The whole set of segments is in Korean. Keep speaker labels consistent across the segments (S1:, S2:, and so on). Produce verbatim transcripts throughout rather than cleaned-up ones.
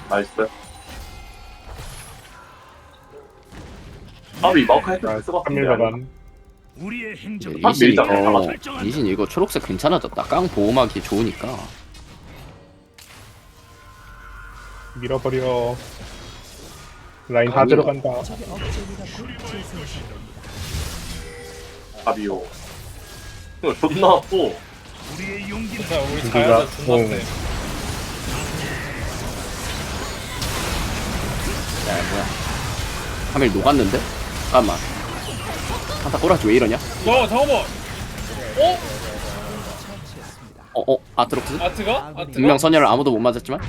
S1: 나이스. 아이 마우카 헤드
S2: 아,
S1: 쓰고
S2: 삼 일 가간.
S3: 우리의 행적
S1: 아,
S4: 리신
S1: 밀자.
S4: 이거 리신 이거 초록색 괜찮아졌다. 깡 보호막이 좋으니까.
S2: 밀어버려. 라인 다
S4: 아니.
S2: 들어간다.
S1: 아비오. 이거 존나 아파.
S3: 우리의 용기는
S5: 자 우리
S2: 누가-
S5: 자야자 존나
S2: 어.
S5: 세.
S4: 야 뭐야? 카밀 녹았는데? 잠깐만. 한타 꼬라지 왜 이러냐?
S5: 야 잠깐만. 어?
S4: 어 어? 아트록스?
S5: 아트가? 아트가?
S4: 분명 선열을 아무도 못 맞았지만.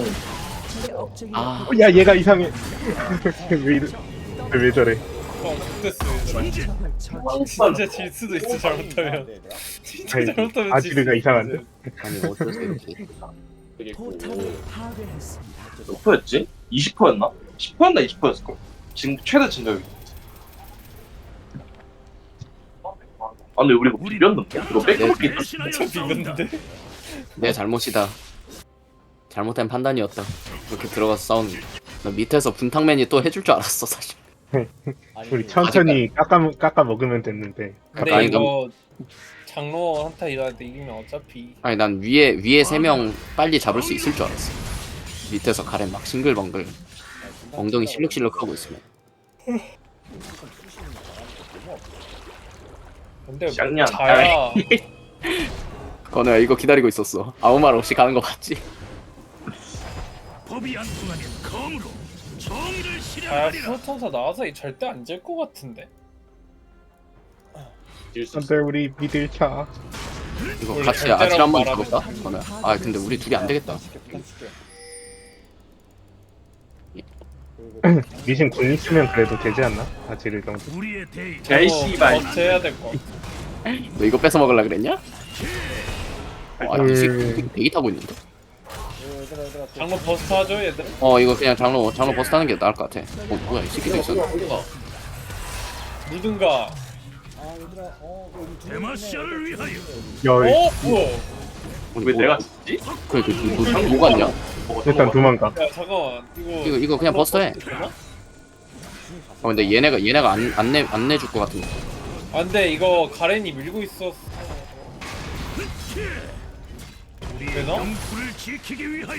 S4: 아
S2: 어, 야 얘가 이상해. 왜 이래? 왜, 왜 저래?
S5: 어 됐어 얘들아. 진짜 질 수도 있어 잘못하면. 진짜
S2: 아니,
S5: 잘못하면
S2: 아지르가
S5: 질 수도
S2: 이상한데?
S5: 있어.
S4: 아니 어쩔 수 이렇게.
S1: 몇 퍼였지? 이십 퍼였나? 십 퍼였나 이십 퍼였을걸? 지금 최대 진적이. 아 근데 우리 이거 비볐는데? 이거 백업이 있다.
S5: 저 비겼는데?
S4: 내 잘못이다. 잘못된 판단이었다. 그렇게 들어가서 싸우는 게. 나 밑에서 분탕맨이 또 해줄 줄 알았어 사실.
S2: 우리 천천히 깎아 깎아 먹으면 됐는데.
S5: 근데
S4: 아니,
S5: 이거 장로 한타 일할 때 이기면 어차피
S4: 아니 난 위에 위에 세 명 빨리 잡을 수 있을 줄 알았어. 밑에서 가렌 막 싱글벙글 엉덩이 실룩실룩 하고 있으면.
S5: 근데
S1: 쌍년.
S5: 자야
S4: 건우야 이거 기다리고 있었어. 아무 말 없이 가는 거 봤지?
S3: 법이 안 통하면 검으로 정의를
S5: 자야
S3: 실현하리라.
S5: 프로턴사 나와서 절대 안 질 것 같은데.
S2: 안돼 우리 미들 차.
S4: 이거
S5: 우리
S4: 같이
S5: 절대라고
S4: 아질 한번
S5: 말하면
S4: 잡을까? 건우야. 아 근데 우리 둘이 안 되겠다.
S2: 리신 군 있으면 그래도 되지 않나? 아지르 정도.
S3: 우리의 대의
S1: 개이 씨발.
S5: 어째야 될 것 같아.
S4: 너 이거 뺏어 먹으려 그랬냐? 어, 아니 이 새끼
S2: 음.
S4: 대기 타고 있는데?
S5: 장로 버스트 하죠 얘들?
S4: 어 이거 그냥 장로 장로 버스 타는 게 나을 것 같아. 어 뭐야 이 새끼도 있었네.
S5: 누군가.
S3: 데마시아를 위하여.
S2: 야
S5: 어? 뭐야?
S4: 아니,
S1: 왜
S4: 뭐-
S1: 내가 죽지?
S4: 그래 그뭐 뭐 갔냐?
S2: 일단 도망가.
S5: 야 잠깐만 이거
S4: 이거 이거 그냥 버스 해.
S5: 되나?
S4: 어 근데 얘네가 얘네가 안 안내 안 내줄 것 같은데.
S5: 아 근데 이거 가렌이 밀고 있었어.
S3: 우리의
S5: 되나?
S3: 영토를 지키기 위하여.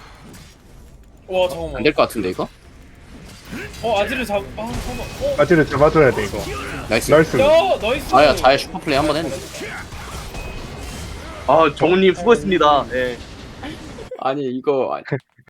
S5: 와 잠깐만.
S4: 안 될 것 같은데 이거?
S5: 어 아지를 잡. 아 잠깐만. 어?
S2: 아지르 잡아줘야 돼 이거.
S4: 나이스.
S2: 나이스.
S5: 야 나이스.
S4: 아야 자야 슈퍼플레이 한번 했네.
S1: 아 정우님 수고했습니다. 예.
S4: 아니 이거